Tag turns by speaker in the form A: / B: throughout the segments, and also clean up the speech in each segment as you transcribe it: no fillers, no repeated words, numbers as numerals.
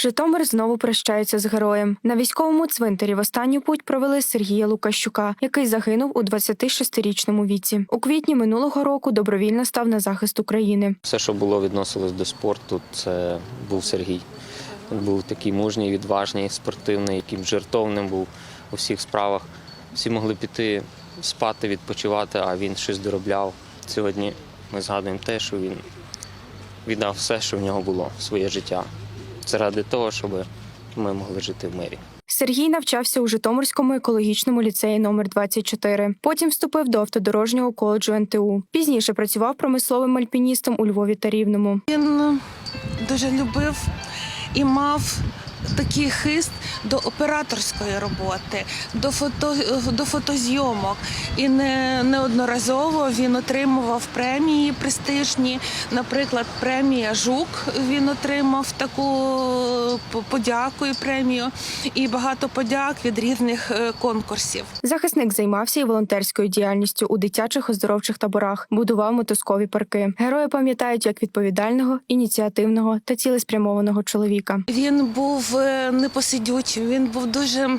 A: Житомир знову прощається з героєм. На військовому цвинтарі в останню путь провели Сергія Лукащука, який загинув у 26-річному віці. У квітні минулого року добровільно став на захист України.
B: Все, що було відносилось до спорту, це був Сергій. Він був такий мужній, відважний, спортивний, яким жертовним був у всіх справах. Всі могли піти спати, відпочивати, а він щось доробляв. Сьогодні ми згадуємо те, що він віддав все, що в нього було, своє життя. Це ради того, щоб ми могли жити в мирі.
A: Сергій навчався у Житомирському екологічному ліцеї номер 24. Потім вступив до автодорожнього коледжу НТУ. Пізніше працював промисловим альпіністом у Львові та Рівному.
C: Він дуже любив і мав такий хист до операторської роботи, до фотозйомок. І неодноразово він отримував премії престижні. Наприклад, премія «Жук» він отримав таку подяку і премію. І багато подяк від різних конкурсів.
A: Захисник займався і волонтерською діяльністю у дитячих оздоровчих таборах, будував мотузкові парки. Герої пам'ятають як відповідального, ініціативного та цілеспрямованого чоловіка.
C: Він був непосидючим, він був дуже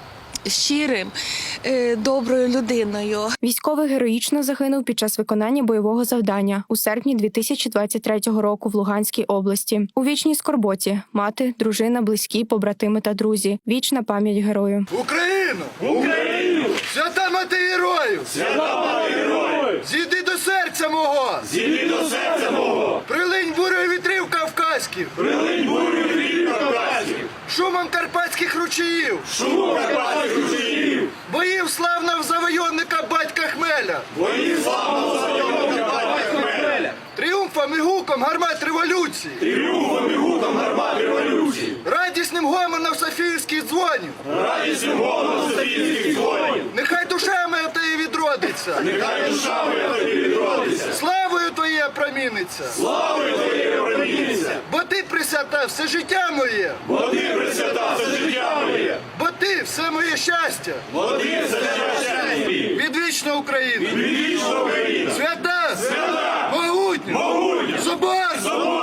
C: щирим, доброю людиною.
A: Військовий героїчно загинув під час виконання бойового завдання у серпні 2023 року в Луганській області. У вічній скорботі – мати, дружина, близькі, побратими та друзі. Вічна пам'ять герою.
D: Україну! Україну! Свята мати героїв! Свята мати героїв! Зійди до серця мого! Зійди до серця мого! Прилинь бурою вітрів кавказьких! Прилинь бурою вітрів кавказьких! Шумом карпатських ручаїв! Шумом карпатських ручаїв! Боїв славного завойовника батька Хмеля! Боїв славного завойовника батька Хмеля! Тріумфом і гуком гармат революції! Тріумфом і гуком гармат революції! Радісним гомоном Софіївських дзвонів! Радісним гомоном Софіївських дзвонів! Нехай душа моя тобі відродиться! Нехай душа моя тобі відродиться! Славою твоє проміниться! Славою твоє проміниться! Бо ти присвята все життя моє! Бо ти присвята все життя моє! Бо ти все моє щастя! Бо ти все щастя! Відвічна Україна! Відвічна Україна! Свята! Свята! Могутня! Могутня! Соборна!